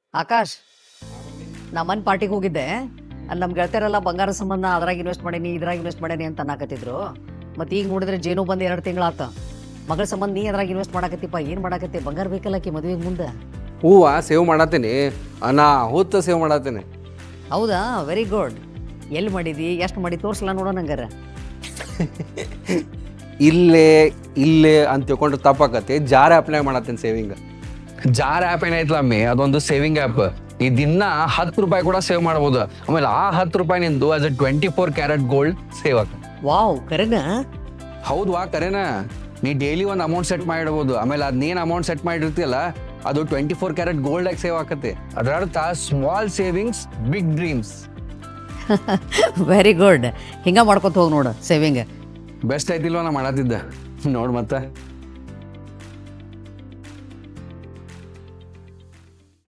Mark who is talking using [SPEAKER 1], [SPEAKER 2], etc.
[SPEAKER 1] ಆಕಾಶ್, ನಾ ಮನ್ ಪಾರ್ಟಿಗೆ ಹೋಗಿದ್ದೆ. ಅಲ್ಲಿ ನಮ್ಮ ಗೆಳತಿಯರೆಲ್ಲ ಬಂಗಾರ ಸಂಬಂಧ ಅದ್ರಾಗ ಇನ್ವೆಸ್ಟ್ ಮಾಡೀನಿ ಇದ್ರಾಗ ಇನ್ವೆಸ್ಟ್ ಮಾಡೀನಿ ಅಂತ ಅನ್ನಕತ್ತಿದ್ರು. ಮತ್ತು ಈಗ ನೋಡಿದ್ರೆ ಜೇನು ಬಂದು 2 ತಿಂಗಳಾತ. ಮಗಳ ಸಂಬಂಧ ನೀ ಅದ್ರಾಗ ಇನ್ವೆಸ್ಟ್ ಮಾಡಕತ್ತಿಪ್ಪ, ಏನು ಮಾಡಕತ್ತಿ? ಬಂಗಾರ ಬೇಕಲ್ಲಕ್ಕಿ ಮದುವೆಗೆ ಮುಂದೆ.
[SPEAKER 2] ಹೂವ ಸೇವ್ ಮಾಡತ್ತೀನಿ, ಅನಾಹುತ ಸೇವ್ ಮಾಡತ್ತೀನಿ.
[SPEAKER 1] ಹೌದಾ, ವೆರಿ ಗುಡ್. ಎಲ್ಲಿ ಮಾಡಿದಿ, ಎಷ್ಟು ಮಾಡಿ ತೋರಿಸಲ್ಲ ನೋಡೋ ನಂಗಾರ.
[SPEAKER 2] ಇಲ್ಲೇ ಇಲ್ಲೇ ಅಂತ ತಿಳ್ಕೊಂಡ್ರೆ ತಪ್ಪಾಕತಿ. ಜಾರ್ ಆ್ಯಪ್ನಾಗ ಮಾಡತ್ತೀನಿ ಸೇವಿಂಗ್.
[SPEAKER 3] ಜಾರ್ ಆ್ಯಪ್ ಏನೈತಲ್ಲ ಅಮ್ಮಿ, ಅದೊಂದು ಸೇವಿಂಗ್ ಆ್ಯಪ್. ಈ ದಿನ 10 ರೂಪಾಯಿ ಕೂಡ ಸೇವ್ ಮಾಡ್ಬೋದು. ಆಮೇಲೆ ಆ 10 ರೂಪಾಯಿ ನಿಂದು ಆಸ್ ಅ 24 ಕ್ಯಾರೆಟ್ ಗೋಲ್ಡ್ ಸೇವ್ ಆಗ.
[SPEAKER 1] ವಾವ್, ಕರೆನಾ?
[SPEAKER 2] ಹೌದ್ವಾ, ಕರೆನಾ. ನೀ ಡೈಲಿ ಒಂದು ಅಮೌಂಟ್ ಸೆಟ್ ಮಾಡಿಡ್ಬೋದು. ಆಮೇಲೆ ಅದನ್ನೇನು ಅಮೌಂಟ್ ಸೆಟ್ ಮಾಡಿರ್ತೀಯಲ್ಲ, ಅದು 24 ಕ್ಯಾರೆಟ್ ಗೋಲ್ಡಾಗಿ ಸೇವ್ ಆಕತಿ. ಅದರ ಅರ್ಥ small savings big dreams.
[SPEAKER 1] Very good. ಹಿಂಗೆ ಮಾಡ್ಕೊತ ಹೋಗಿ ನೋಡು ಸೇವಿಂಗ್.
[SPEAKER 2] ಬೆಸ್ಟ್ ಆಯ್ತಿಲ್ವ ನಾ ಮಾಡತ್ತಿದ್ದೆ ನೋಡು ಮತ್ತೆ.